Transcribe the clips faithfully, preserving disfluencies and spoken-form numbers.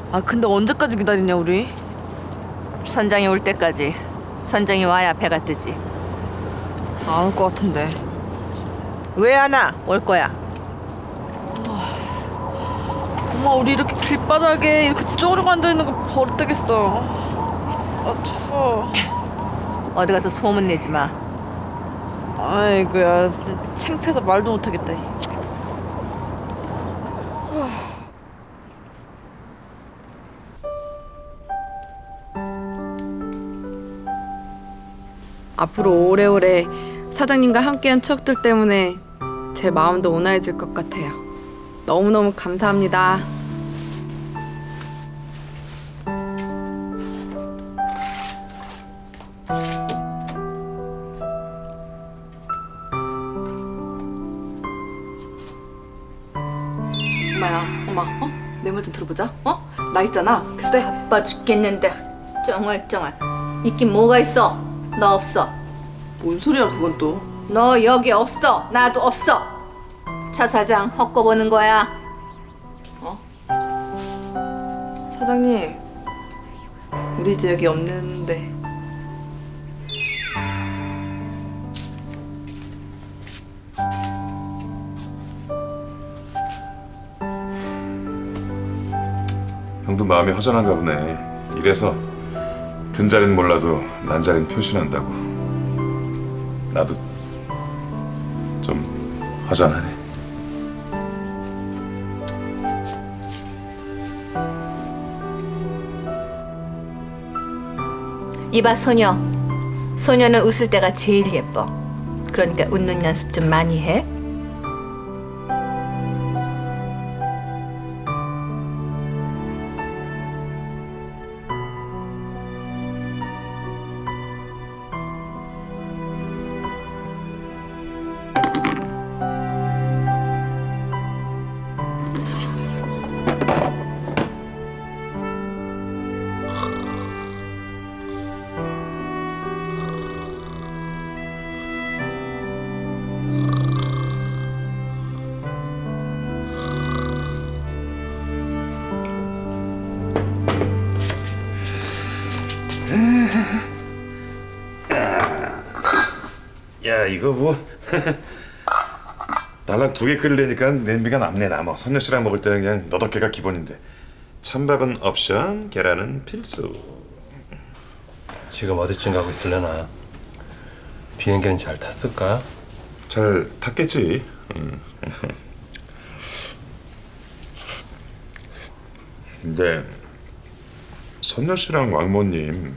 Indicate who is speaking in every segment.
Speaker 1: 아 근데 언제까지 기다리냐 우리?
Speaker 2: 선장이 올 때까지. 선장이 와야 배가 뜨지.
Speaker 1: 안 올 것 같은데.
Speaker 2: 왜 안 와? 올 거야.
Speaker 1: 엄마 우리 이렇게 길바닥에 이렇게 쪼르고 앉아있는 거 버릇되겠어. 아 추워.
Speaker 2: 어디 가서 소문 내지 마.
Speaker 1: 아이고야 창피해서 말도 못하겠다. 앞으로 오래오래 사장님과 함께한 추억들 때문에 제 마음도 온화해질 것 같아요. 너무너무 감사합니다. 엄마야, 엄마, 어? 내 말 좀 들어보자. 어? 나 있잖아. 글쎄.
Speaker 2: 바빠 죽겠는데 쩡얼쩡얼. 있긴 뭐가 있어. 너 없어.
Speaker 1: 뭔 소리야 그건 또.
Speaker 2: 너 여기 없어. 나도 없어. 차 사장 헛거보는 거야.
Speaker 1: 사장님, 우리 이제 여기 없는데.
Speaker 3: 형도 마음이 허전한가 보네. 이래서 든자리는 몰라도 난자리는 표시난다고. 나도 좀 허전하네.
Speaker 2: 이봐 소녀. 소녀는 웃을 때가 제일 예뻐. 그러니까 웃는 연습 좀 많이 해.
Speaker 3: 야 이거 뭐 달랑 두 개 끓이려니까 냄비가 남네 남아. 선녀 씨랑 먹을 때는 그냥 너덕개가 기본인데 찬밥은 옵션, 계란은 필수.
Speaker 4: 지금 어디쯤 가고 있을려나? 비행기는 잘 탔을까?
Speaker 3: 잘 탔겠지. 응. 근데 선녀 씨랑 왕모님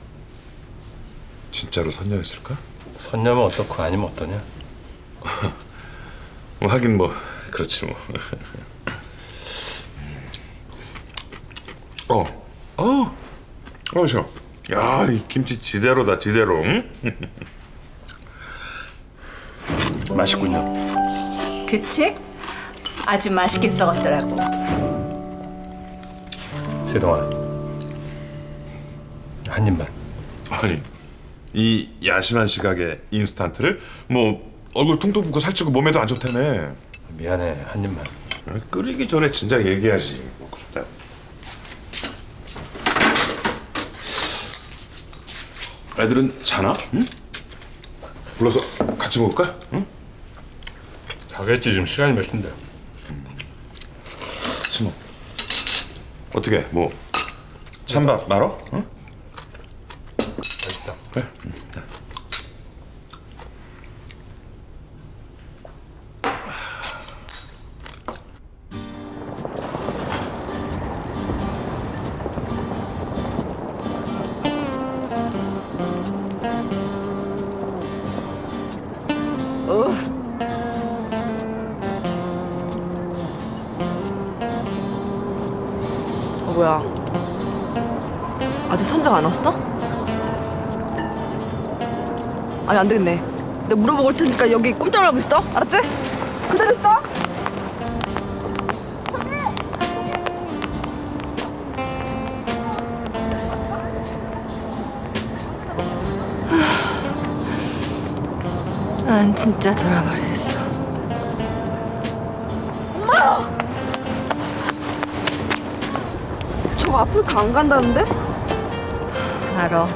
Speaker 3: 진짜로 선녀였을까?
Speaker 4: 선녀면 어떻고 아니면 어떠냐?
Speaker 3: 뭐 하긴 뭐 그렇지 뭐. 어, 어, 어, 저, 야, 이 김치 지대로다 지대로. 응?
Speaker 4: 맛있군요.
Speaker 2: 그치? 아주 맛있게 썩었더라고.
Speaker 4: 세동아, 한 입만.
Speaker 3: 아니, 이 야심한 시각에 인스턴트를 뭐 얼굴 퉁퉁 붓고 살찌고 몸에도 안 좋다며.
Speaker 4: 미안해, 한 입만.
Speaker 3: 끓이기 전에 진작 얘기하지. 먹고 싶다. 애들은 자나? 응? 불러서 같이 먹을까? 응?
Speaker 4: 자겠지, 지금 시간이 몇 시인데.
Speaker 3: 같이 먹. 어떻게? 뭐 찬밥 말어? 응?
Speaker 4: 맛있다.
Speaker 3: 그래. 응.
Speaker 1: 어 뭐야? 아직 선장 안 왔어? 아니 안 되겠네. 내가 물어보고 올 테니까 여기 꼼짝 말고 있어. 알았지? 그대로 있어.
Speaker 2: 난 진짜 돌아버리겠어.
Speaker 1: 저거 아프리카 안 간다는데?
Speaker 2: 알아.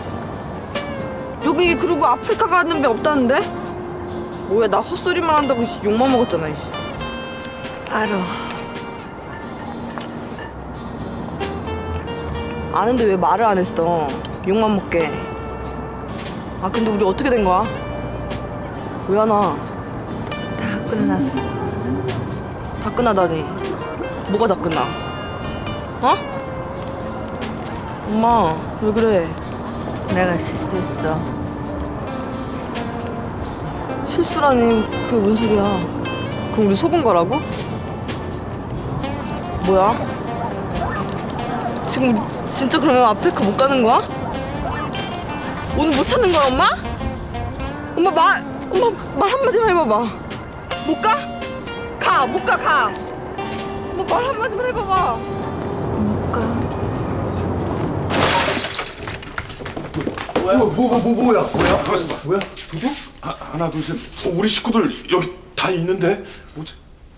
Speaker 1: 여기 그리고 아프리카 가는 배 없다는데? 뭐야 나 헛소리만 한다고 욕만 먹었잖아. 이씨.
Speaker 2: 알아.
Speaker 1: 아는데 왜 말을 안 했어? 욕만 먹게. 아 근데 우리 어떻게 된 거야? 왜 안 와?
Speaker 2: 다 끝났어.
Speaker 1: 다 끝나다니. 뭐가 다 끝나? 어? 엄마 왜 그래?
Speaker 2: 내가 실수했어.
Speaker 1: 실수라니 그게 뭔 소리야? 그럼 우리 속은 거라고? 뭐야? 지금 우리 진짜 그러면 아프리카 못 가는 거야? 오늘 못 찾는 거야 엄마? 엄마 말 엄마 말 한마디만 해봐봐. 못 가? 가! 못 가 가! 엄마 말 한마디만 해봐봐.
Speaker 2: 못 가.
Speaker 5: 뭐야? 뭐, 뭐, 뭐, 뭐야? 뭐야?
Speaker 3: 가만있어 봐.
Speaker 5: 뭐야? 도둑?
Speaker 3: 하, 하나 둘 셋. 어, 우리 식구들 여기 다 있는데 뭐지?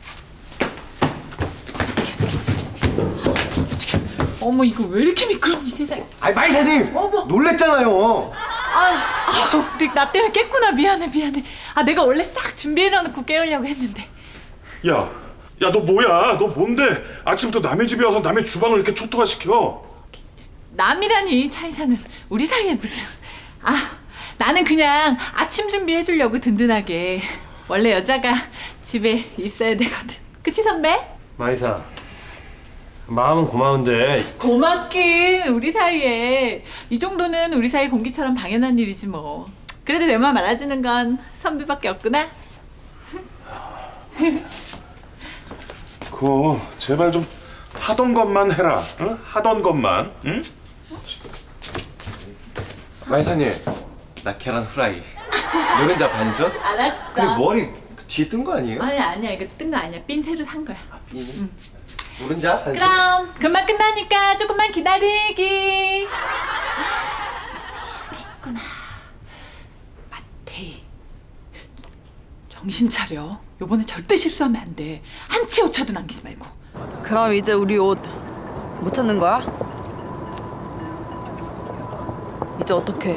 Speaker 6: 어머 이거 왜 이렇게 미끄럽니 세상에.
Speaker 5: 아이, 마이사님! 놀랬잖아요.
Speaker 6: 아, 네, 나 때문에 깼구나. 미안해 미안해. 아 내가 원래 싹 준비해놓고 깨우려고 했는데.
Speaker 3: 야, 야 너 뭐야? 너 뭔데? 아침부터 남의 집에 와서 남의 주방을 이렇게 초토화 시켜?
Speaker 6: 남이라니 차이사는 우리 사이에 무슨. 아 나는 그냥 아침 준비해주려고 든든하게. 원래 여자가 집에 있어야 되거든. 그치 선배?
Speaker 5: 마이사, 마음은 고마운데
Speaker 6: 고맙긴. 우리 사이에 이 정도는 우리 사이 공기처럼 당연한 일이지 뭐. 그래도 내 맘 알아주는 건 선배밖에 없구나.
Speaker 3: 그거 제발 좀 하던 것만 해라. 응? 하던 것만. 응?
Speaker 5: 마이사님, 나 계란 후라이 노른자 반숙?
Speaker 6: 알았어.
Speaker 5: 근데 머리 그 뒤에 뜬 거 아니에요?
Speaker 6: 아니야 아니야 이거 뜬 거 아니야. 삔 새로 산 거야.
Speaker 5: 이 노른자 반숙?
Speaker 6: 그럼 금방 끝나니까 조금만 기다리기. 했구나. 마태이 정신 차려. 요번에 절대 실수하면 안 돼. 한치 오차도 남기지 말고.
Speaker 1: 그럼 이제 우리 옷 못 찾는 거야? 이제 어떡해?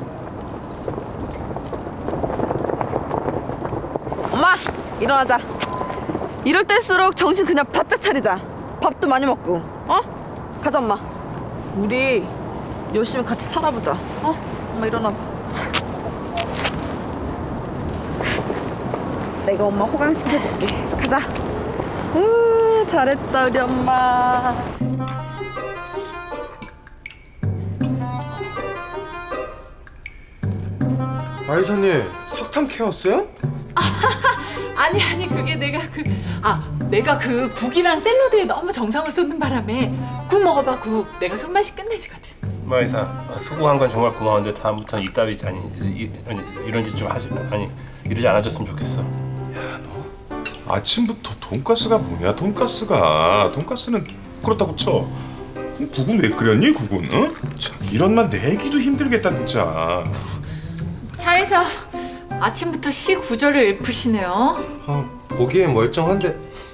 Speaker 1: 엄마! 일어나자. 이럴 때일수록 정신 그냥 바짝 차리자. 밥도 많이 먹고. 어? 가자 엄마. 우리 열심히 같이 살아보자. 어? 엄마 일어나봐. 자. 내가 엄마 호강시켜줄게. 가자. 우 잘했다 우리 엄마.
Speaker 5: 마이사님, 석탄 캐왔어요?
Speaker 6: 아니 아니 그게 내가 그 아 내가 그 국이랑 샐러드에 너무 정성을 쏟는 바람에 국 먹어봐 국. 내가 손맛이 끝내주거든.
Speaker 4: 마이사, 아, 수고한 건 정말 고마운데 다음부터는 이따위 아니 이, 아니, 이런 짓 좀 하지 아니 이러지 않아줬으면 좋겠어.
Speaker 3: 아침부터 돈가스가 뭐냐? 돈가스가 돈가스는 그렇다고 쳐. 국은 왜 끓였니? 국은? 어? 참, 이런 말 내기도 힘들겠다 진짜.
Speaker 6: 차에서 아침부터 시 구절을 읊으시네요.
Speaker 5: 아, 보기엔 멀쩡한데.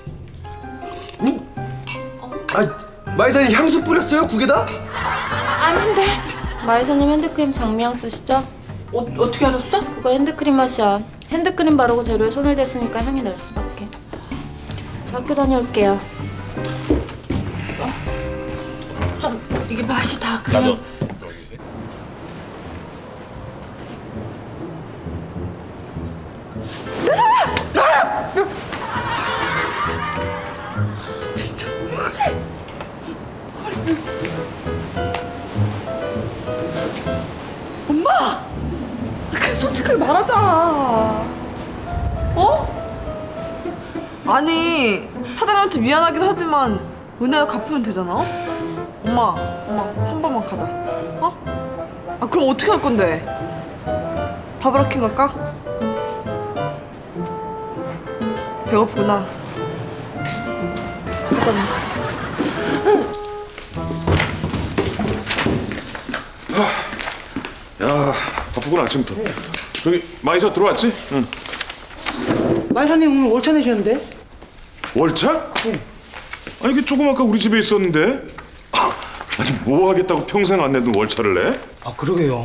Speaker 5: 음? 아, 마이사님 향수 뿌렸어요? 국에다?
Speaker 6: 아닌데.
Speaker 7: 마이사님 핸드크림 장미향 쓰시죠?
Speaker 6: 어, 어떻게 알았어?
Speaker 7: 그거 핸드크림 맛이야. 핸드크림 바르고 재료에 손을 댔으니까 향이 날 수밖에. 저 학교 다녀올게요.
Speaker 6: 좀 이게 맛이 다 그냥.
Speaker 4: 나도.
Speaker 1: 엄마! 그냥 솔직하게 말하자. 어? 아니 사장한테 미안하긴 하지만 은혜가 갚으면 되잖아. 엄마, 엄마 한 번만 가자. 어? 아 그럼 어떻게 할 건데? 바바라킹 갈까? 배고프구나. 가자. 엄마.
Speaker 3: 야 바쁘구나 아침부터. 저기 마이사 들어왔지? 응.
Speaker 8: 마이사님 오늘 월차 내셨는데?
Speaker 3: 월차? 응. 아니 그 조금 아까 우리 집에 있었는데. 아, 뭐 하겠다고 평생 안 내던 월차를 내?
Speaker 8: 아 그러게요.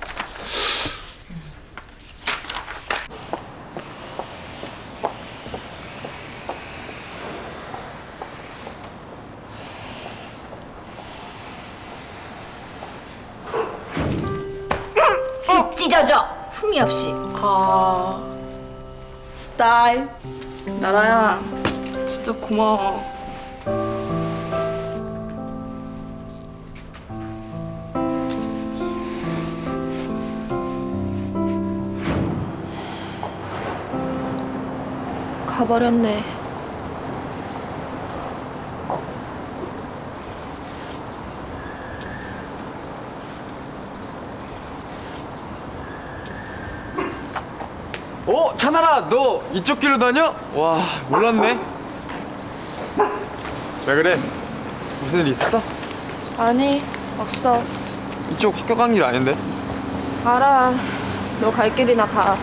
Speaker 2: 찢어져 품이 없이.
Speaker 1: 아 스타일 나라야 진짜 고마워.
Speaker 7: 가버렸네.
Speaker 5: 어, 찬아라, 너 이쪽 길로 다녀? 와, 몰랐네. 왜 그래? 무슨 일 있었어?
Speaker 7: 아니, 없어.
Speaker 5: 이쪽 학교 간 길 아닌데?
Speaker 7: 알아. 너 갈 길이나 가.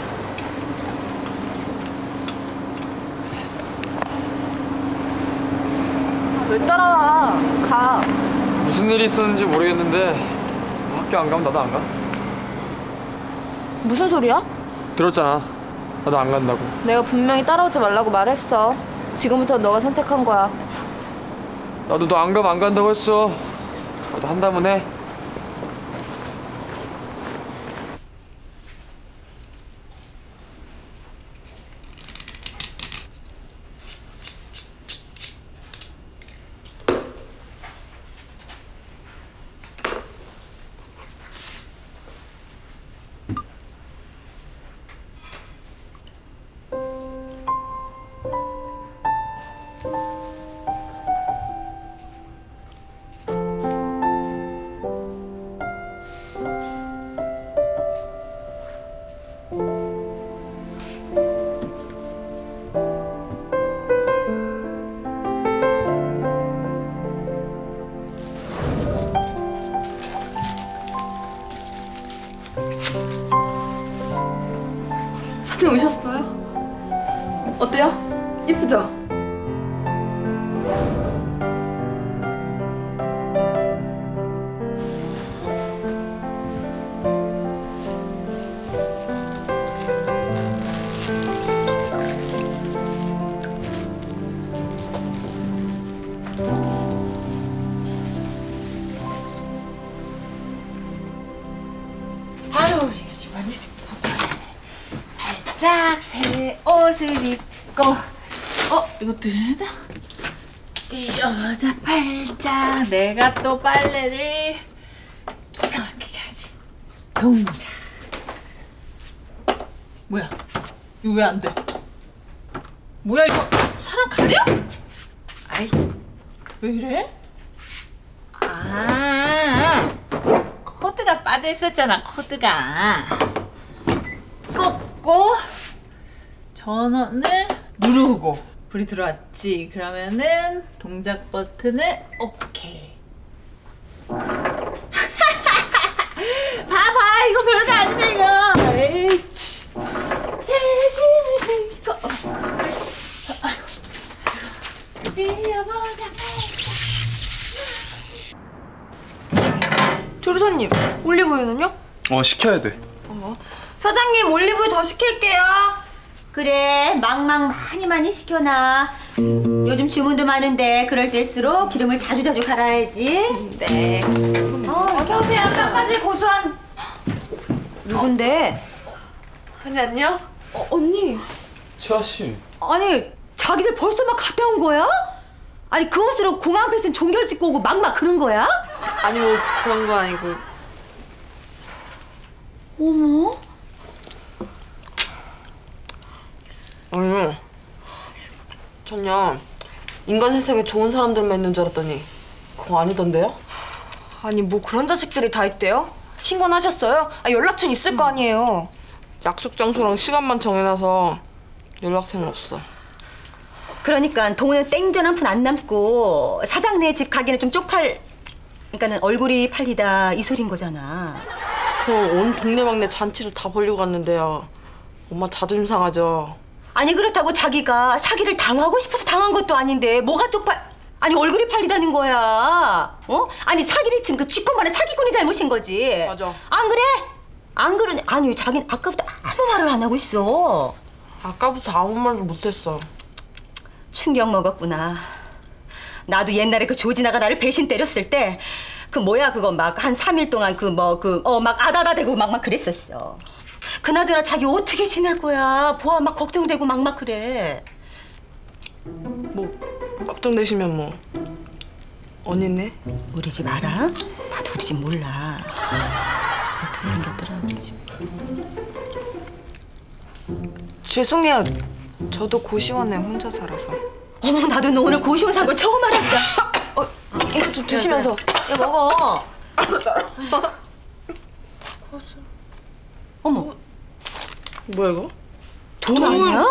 Speaker 7: 왜 따라와? 가.
Speaker 5: 무슨 일이 있었는지 모르겠는데 학교 안 가면 나도 안 가.
Speaker 7: 무슨 소리야?
Speaker 5: 들었잖아. 나도 안 간다고.
Speaker 7: 내가 분명히 따라오지 말라고 말했어. 지금부터 너가 선택한 거야.
Speaker 5: 나도 너 안 가면 안 간다고 했어. 나도 한다면 해.
Speaker 1: 사진 오셨어요? 어때요? 이쁘죠?
Speaker 6: 아유, 이게 집안일. 짝 새 옷을 입고 어 이것도 해자 여자 팔자 내가 또 빨래를 기가 막히게 하지. 동작. 뭐야 이거 왜 안 돼? 뭐야 이거 사람 가려? 아이 왜 이래? 아 코드가 빠져 있었잖아. 코드가 꽂고 전원을 누르고 불이 들어왔지. 그러면은 동작 버튼을 오케이. 봐봐 이거 별거 아니네 이거. 에이치 세심을 신고 뛰어보자.
Speaker 1: 조리사님 올리브유는요?
Speaker 5: 어, 시켜야 돼.
Speaker 9: 사장님 올리브유 더 시킬게요. 그래 망망 많이 많이 시켜놔. 요즘 주문도 많은데 그럴 때일수록 기름을 자주자주 갈아야지.
Speaker 7: 네.
Speaker 9: 어, 어서오세요. 깜까지 고소한. 누군데?
Speaker 1: 아니 안녕?
Speaker 9: 어, 언니.
Speaker 5: 채아 씨.
Speaker 9: 아니 자기들 벌써 막 갔다 온 거야? 아니 그 옷으로 공항 패션 종결 찍고 오고 막 막 그런 거야?
Speaker 1: 아니 뭐 그런 거 아니고.
Speaker 9: 어머.
Speaker 1: 아니 전요 인간 세상에 좋은 사람들만 있는 줄 알았더니 그거 아니던데요?
Speaker 10: 아니 뭐 그런 자식들이 다 있대요? 신고는 하셨어요? 아, 연락처는 있을 거 아니에요.
Speaker 1: 약속 장소랑 시간만 정해놔서 연락처는 없어.
Speaker 9: 그러니까 돈은 땡전 한 푼 안 남고 사장네 집 가기는 좀 쪽팔. 그러니까는 얼굴이 팔리다 이 소린 거잖아.
Speaker 1: 그럼 온 동네방네 잔치를 다 벌리고 갔는데요. 엄마 자존심 상하죠.
Speaker 9: 아니 그렇다고 자기가 사기를 당하고 싶어서 당한 것도 아닌데 뭐가 쪽팔... 아니 얼굴이 팔리다는 거야. 어? 아니 사기를 친 그 쥐꼬만한 사기꾼이 잘못인 거지.
Speaker 1: 맞아.
Speaker 9: 안 그래? 안 그러네. 아니 자기는 아까부터 아무 말을 안 하고 있어.
Speaker 1: 아까부터 아무 말도 못했어.
Speaker 9: 충격 먹었구나. 나도 옛날에 그 조진아가 나를 배신 때렸을 때 그 뭐야 그거 막 한 삼 일 동안 그 뭐 그 어 막 아다다 대고 막 막 그랬었어. 그나저나 자기 어떻게 지낼 거야? 보아 막 걱정되고 막 막 그래.
Speaker 1: 뭐 걱정되시면 뭐 언니네?
Speaker 9: 우리 집 알아? 나도 우리 집 몰라. 어떻게 생겼더라 우리 집.
Speaker 10: 죄송해요. 저도 고시원에 혼자 살아서.
Speaker 9: 어머 나도 너 오늘 고시원 산 걸 처음 알았다.
Speaker 10: 어, 이거 좀 드시면서.
Speaker 9: 야 먹어. 어머
Speaker 1: 뭐야 이거?
Speaker 9: 돈 아니야?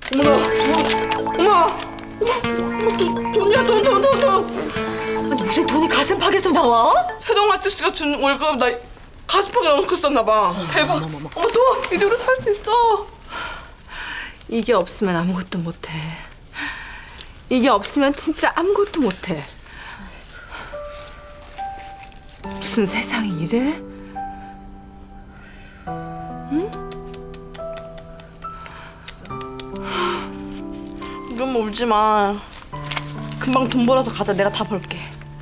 Speaker 1: 어머! 어머! 돈, 돈이야 돈 돈 돈 돈!
Speaker 9: 아니 무슨 돈이 가슴팍에서 나와?
Speaker 1: 세동 아저씨가 준 월급 나 가슴팍에 넣고 썼나 봐. 대박. 어머 돈 이대로 살 수 있어. 이게 없으면 아무것도 못해. 이게 없으면 진짜 아무것도 못해. 무슨 세상이 이래? 응? 우리 엄마 울지 마. 금방 돈 벌어서 가자. 내가 다 벌게.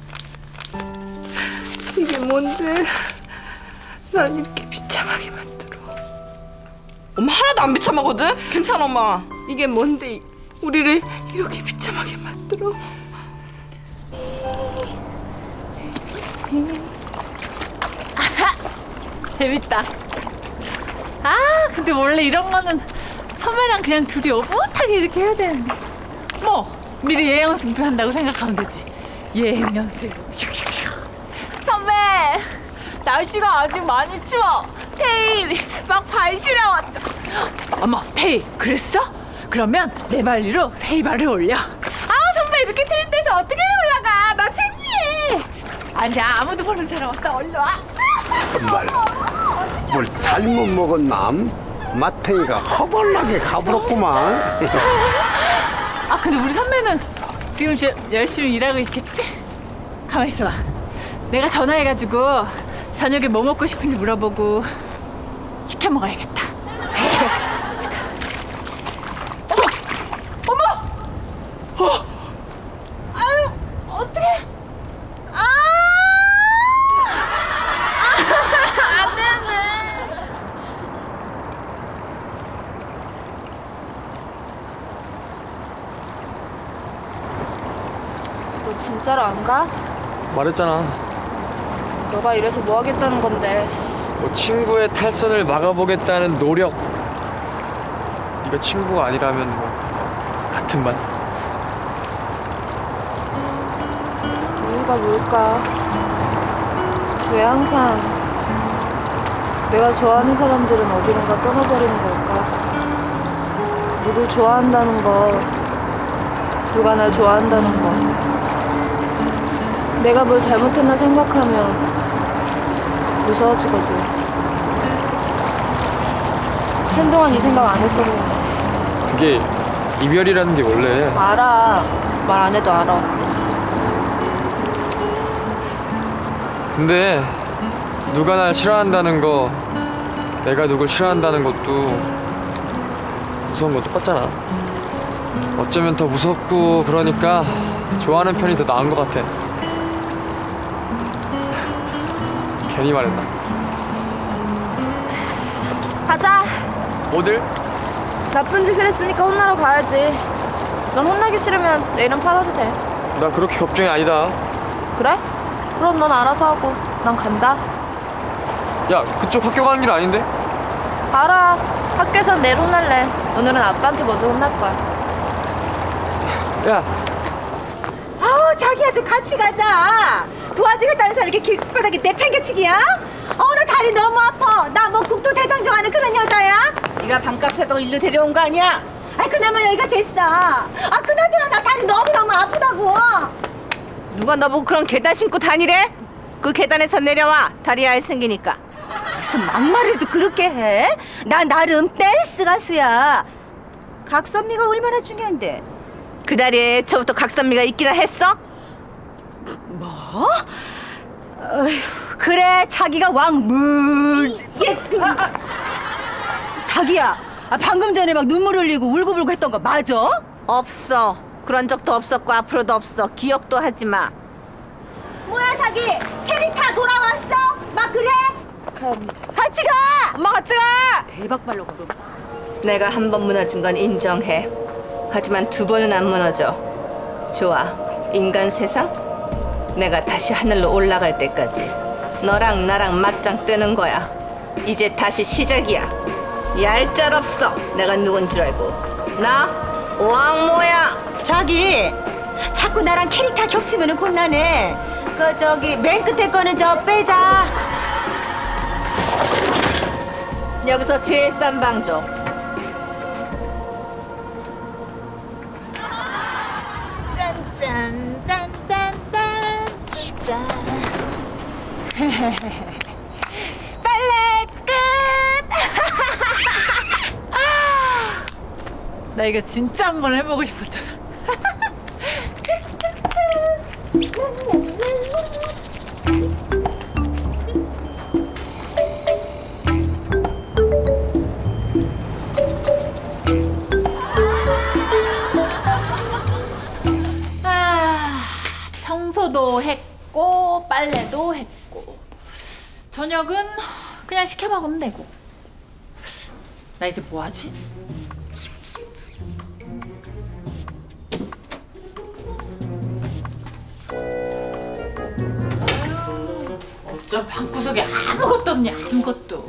Speaker 1: 이게 뭔데? 날 이렇게 비참하게 만들어. 엄마 하나도 안 비참하거든? 괜찮아 엄마. 이게 뭔데 우리를 이렇게 비참하게 만들어?
Speaker 6: 재밌다. 아, 근데 원래 이런 거는 선배랑 그냥 둘이 오붓하게 이렇게 해야 되는데. 뭐 미리 예행 연습한다고 생각하면 되지. 예행 연습. 선배, 날씨가 아직 많이 추워. 태희 막 발시려 왔죠. 어머, 태희 그랬어? 그러면 내 발리로 세희 발을 올려. 아, 선배 이렇게 트인 데서 어떻게 올라가? 나 창피해. 아니야, 아무도 모르는 사람 없어. 얼른 와.
Speaker 11: 정말 뭘 잘못 먹었남? 마태이가 허벌나게 가불었구만.
Speaker 6: 아, 근데 우리 선배는 지금 저 열심히 일하고 있겠지? 가만 있어봐. 내가 전화해가지고 저녁에 뭐 먹고 싶은지 물어보고 시켜 먹어야겠다. 어머! 어머! 어! 아유, 어떡해! 아! 안 되네.
Speaker 7: 너 진짜로 안 가?
Speaker 5: 말했잖아.
Speaker 7: 너가 이래서 뭐 하겠다는 건데.
Speaker 5: 뭐 친구의 탈선을 막아보겠다는 노력. 네가 친구가 아니라면 뭐 같은 반.
Speaker 7: 이유가 뭘까? 왜 항상 내가 좋아하는 사람들은 어디론가 떠나버리는 걸까? 누굴 좋아한다는 거, 누가 날 좋아한다는 거, 내가 뭘 잘못했나 생각하면 무서워지거든. 한동안 이 생각 안 했었는데.
Speaker 5: 그게 이별이라는 게 원래.
Speaker 7: 알아. 말 안 해도 알아.
Speaker 5: 근데 누가 날 싫어한다는 거, 내가 누굴 싫어한다는 것도 무서운 건 똑같잖아. 어쩌면 더 무섭고 그러니까 좋아하는 편이 더 나은 것 같아. 괜히 말했나?
Speaker 7: 가자.
Speaker 5: 어딜?
Speaker 7: 나쁜 짓을 했으니까 혼나러 가야지. 넌 혼나기 싫으면 내일은 팔아도 돼.
Speaker 5: 나 그렇게 걱정이 아니다.
Speaker 7: 그래? 그럼 넌 알아서 하고 난 간다.
Speaker 5: 야, 그쪽 학교 가는 길 아닌데?
Speaker 7: 알아. 학교에선 내일 혼날래. 오늘은 아빠한테 먼저 혼날 거야.
Speaker 5: 야,
Speaker 9: 아우 자기야 좀 같이 가자. 도와주겠다는 사람 이렇게 길바닥에 내팽개치기야? 어 나 다리 너무 아파. 나 뭐 국토대장정 하는 그런 여자야?
Speaker 2: 네가 반값 세다고 일로 데려온 거 아니야?
Speaker 9: 아이 그나마 여기가 제일 싸. 아 그나저나 나 다리 너무너무 아프다고.
Speaker 2: 누가 너보고 그런 계단 신고 다니래? 그 계단에서 내려와. 다리 아예 생기니까.
Speaker 9: 무슨 막말해도 그렇게 해? 나 나름 댄스 가수야. 각선미가 얼마나 중요한데.
Speaker 2: 그 다리에 애초부터 각선미가 있기나 했어?
Speaker 9: 뭐? 어휴, 그래 자기가 왕물 예. 아, 아. 자기야 아, 방금 전에 막 눈물 흘리고 울고불고 했던 거 맞아?
Speaker 2: 없어. 그런 적도 없었고 앞으로도 없어. 기억도 하지 마.
Speaker 9: 뭐야 자기 캐릭터 돌아왔어? 막 그래? 같이 가! 엄마 같이 가! 대박 발로 가.
Speaker 2: 내가 한 번 무너진 건 인정해. 하지만 두 번은 안 무너져. 좋아. 인간 세상? 내가 다시 하늘로 올라갈 때까지 너랑 나랑 맞짱 뜨는 거야. 이제 다시 시작이야. 얄짤없어. 내가 누군 줄 알고. 나 왕모야.
Speaker 9: 자기 자꾸 나랑 캐릭터 겹치면은 곤란해. 그 저기 맨 끝에 거는 저 빼자.
Speaker 2: 여기서 제일 싼 방 줘.
Speaker 6: 짠짠 짠짠짠 짠. 빨래 끝. 나 이거 진짜 한번 해보고 싶었잖아. 아, 청소도 했고 빨래도 했고 저녁은 그냥 시켜 먹으면 되고. 나 이제 뭐 하지? 어쩜 방구석에 아무것도 없냐 아무것도.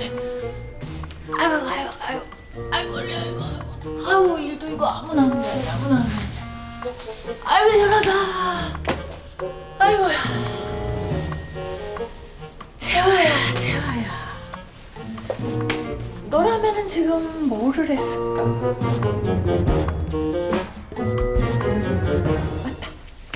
Speaker 6: 아유 아유 아유 아이고 아이고 아이고 아유 일도 이거 아무나 하는 게 아니야 아무나 하는 게 아니야. 아이고 시원하다. 아이고야 재화야 재화야 너라면은 지금 뭐를 했을까? 맞다.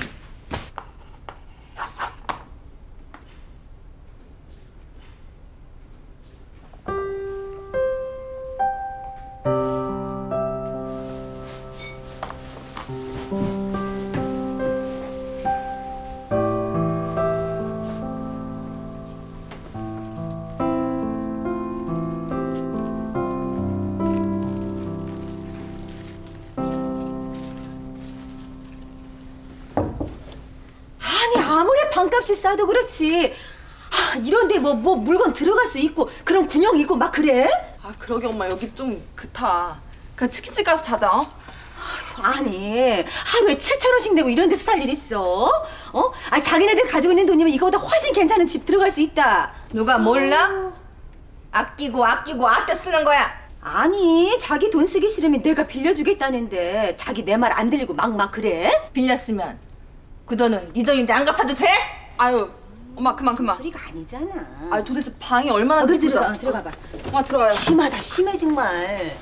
Speaker 9: 아무리 방값이 싸도 그렇지 아, 이런데 뭐, 뭐 물건 들어갈 수 있고 그런 군용 있고 막 그래?
Speaker 1: 아 그러게 엄마 여기 좀 그타. 그냥 치킨집 가서 자자. 어?
Speaker 9: 아니 하루에 칠천 원씩 내고 이런 데서 살 일 있어? 어? 아 자기네들 가지고 있는 돈이면 이거보다 훨씬 괜찮은 집 들어갈 수 있다.
Speaker 2: 누가 몰라? 아끼고 아끼고 아껴 쓰는 거야.
Speaker 9: 아니 자기 돈 쓰기 싫으면 내가 빌려주겠다는데 자기 내 말 안 들리고 막 막 그래?
Speaker 2: 빌렸으면 그 돈은 네 돈인데 안 갚아도 돼?
Speaker 1: 아유 엄마 그만 그만.
Speaker 9: 소리가 아니잖아.
Speaker 1: 아 도대체 방이 얼마나
Speaker 9: 어, 그래
Speaker 1: 깊은지
Speaker 9: 들어가
Speaker 1: 알아?
Speaker 9: 들어가 봐.
Speaker 1: 엄마 들어와요.
Speaker 9: 심하다 심해 정말.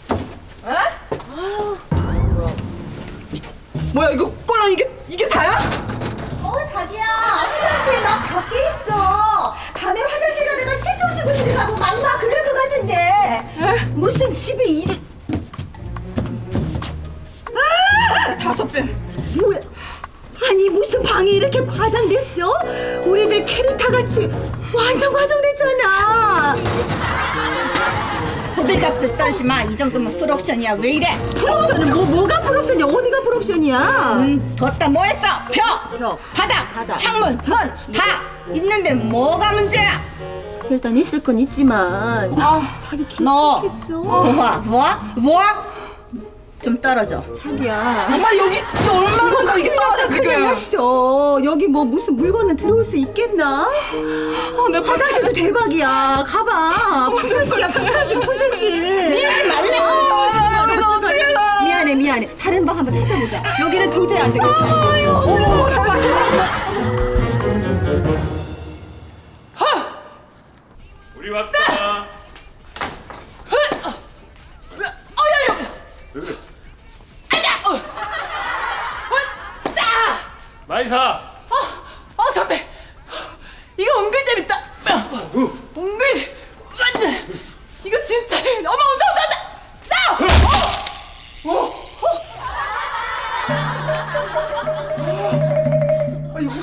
Speaker 1: 뭐야 이거 꼴랑 이게 이게 다야?
Speaker 9: 어 자기야 화장실 막 밖에 있어. 밤에 화장실 가다가 실종 신고 들어가고 막 막 그럴 것 같은데 무슨 집에 일을 아!
Speaker 1: 다섯 배.
Speaker 9: 뭐야? 아니 무슨 방이 이렇게 과장됐어? 우리들 캐릭터 같이 완전 과장됐잖아.
Speaker 2: 호들갑들 떨지 마. 이 정도면 풀옵션이야. 왜 이래?
Speaker 9: 풀옵션은 뭐 뭐가 풀옵션이야? 어디가 풀옵션이야?
Speaker 2: 문 뒀다 뭐 했어? 벽,
Speaker 9: 벽,
Speaker 2: 바닥,
Speaker 9: 바닥.
Speaker 2: 창문, 문 다 있는데 뭐가 문제야?
Speaker 9: 일단 있을 건 있지만
Speaker 1: 아,
Speaker 9: 자기
Speaker 2: 너
Speaker 9: 괜찮겠어?
Speaker 2: 뭐야? 뭐야? 뭐야? 좀 떨어져.
Speaker 9: 자기야
Speaker 1: 엄마 여기 얼마나 이게 떨어져 지금.
Speaker 9: 큰일났어. 여기 뭐 무슨 물건은 들어올 수 있겠나?
Speaker 1: 아, 내
Speaker 9: 화장실도 대박이야. 가봐. 푸세실이야 푸세실 푸세실.
Speaker 1: 미안해 말래. 아, 이거 어떻게 해?
Speaker 9: 미안해 미안해. 다른 방 한번 찾아보자. 여기는 도저히 안 되겠다.
Speaker 1: 어머 잠깐 잠깐.
Speaker 3: 우리 왔다. 왜 그래?
Speaker 4: 마이사.
Speaker 6: 어, 어 선배 이거 은근 재밌다. 은근 완전 이거 진짜 재밌다. 어머 온다 온다 온다. 나.
Speaker 3: 아이고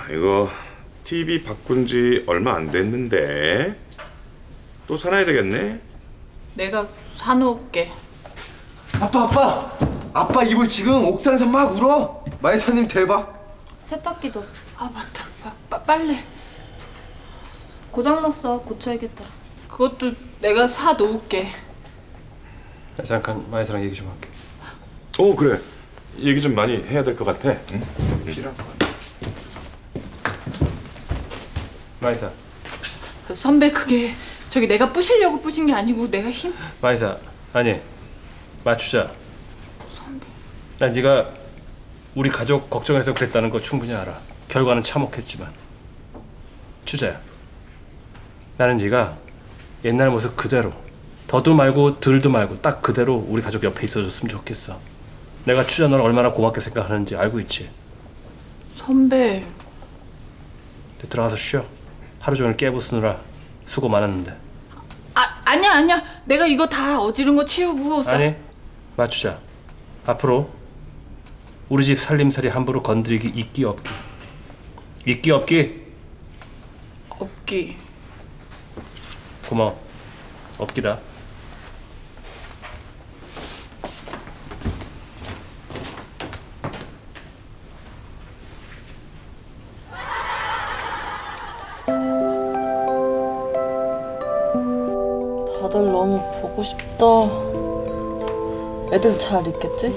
Speaker 3: 이거 티비 바꾼 지 얼마 안 됐는데 또 사놔야 되겠네.
Speaker 6: 내가 사놓을게.
Speaker 12: 아빠 아빠 아빠 이불 지금 옥상에서 막 울어. 마이사님 대박.
Speaker 7: 세탁기도
Speaker 6: 아 맞다. 빠, 빠, 빨래.
Speaker 7: 고장났어. 고쳐야겠다.
Speaker 6: 그것도 내가 사놓을게.
Speaker 4: 나 잠깐 마이사랑 얘기 좀 할게.
Speaker 3: 오 그래. 얘기 좀 많이 해야 될 것 같아. 응?
Speaker 4: 필요한 거 같아. 마이사.
Speaker 6: 선배 그게 저기 내가 부시려고 부신 게 아니고 내가 힘.
Speaker 4: 마이사 아니 맞추자. 난 네가 우리 가족 걱정해서 그랬다는 거 충분히 알아. 결과는 참혹했지만 추자야. 나는 네가 옛날 모습 그대로 더도 말고 덜도 말고 딱 그대로 우리 가족 옆에 있어줬으면 좋겠어. 내가 추자 너를 얼마나 고맙게 생각하는지 알고 있지.
Speaker 6: 선배.
Speaker 4: 이제 들어가서 쉬어. 하루 종일 깨부수느라 수고 많았는데.
Speaker 6: 아 아니야 아니야. 내가 이거 다 어지른 거 치우고. 사...
Speaker 4: 아니 맞추자. 앞으로 우리 집 살림살이 함부로 건드리기 있기 없기. 있기 없기.
Speaker 6: 없기.
Speaker 4: 고마워. 없기다.
Speaker 1: 다들 너무 보고 싶다. 애들 잘 있겠지?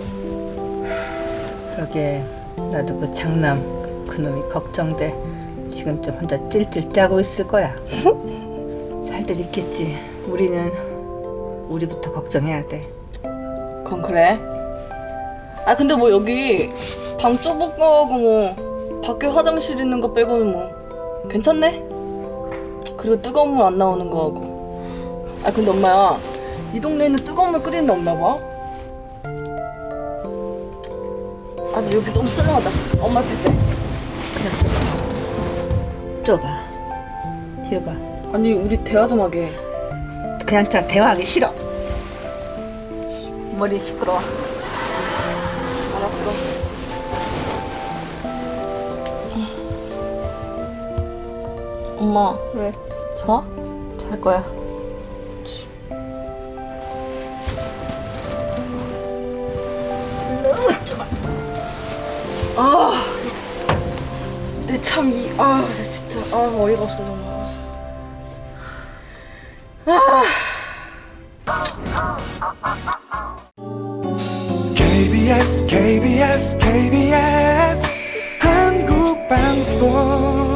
Speaker 2: 그러게 나도 그 장남 그놈이 걱정돼. 지금쯤 혼자 찔찔 짜고 있을 거야. 잘들 있겠지. 우리는 우리부터 걱정해야 돼.
Speaker 1: 그건 그래. 아 근데 뭐 여기 방 좁은 거하고 뭐 밖에 화장실 있는 거 빼고는 뭐 괜찮네? 그리고 뜨거운 물 안 나오는 거하고. 아 근데 엄마야 이 동네에는 뜨거운 물 끓이는 데 없나 봐. 아 근데 여기 너무 썰렁하다. 엄마 앞에 있어야지.
Speaker 2: 그냥 좁아. 좁아. 뒤로 봐.
Speaker 1: 아니 우리 대화 좀 하게.
Speaker 2: 그냥 짜 대화하기 싫어. 머리 시끄러워.
Speaker 1: 알았어. 엄마
Speaker 2: 왜?
Speaker 1: 자?
Speaker 2: 잘 거야.
Speaker 1: 아, 내 참 이, 아, 진짜, 아, 어이가 없어 정말. 아.
Speaker 13: 케이비에스 케이비에스 케이비에스 한국방송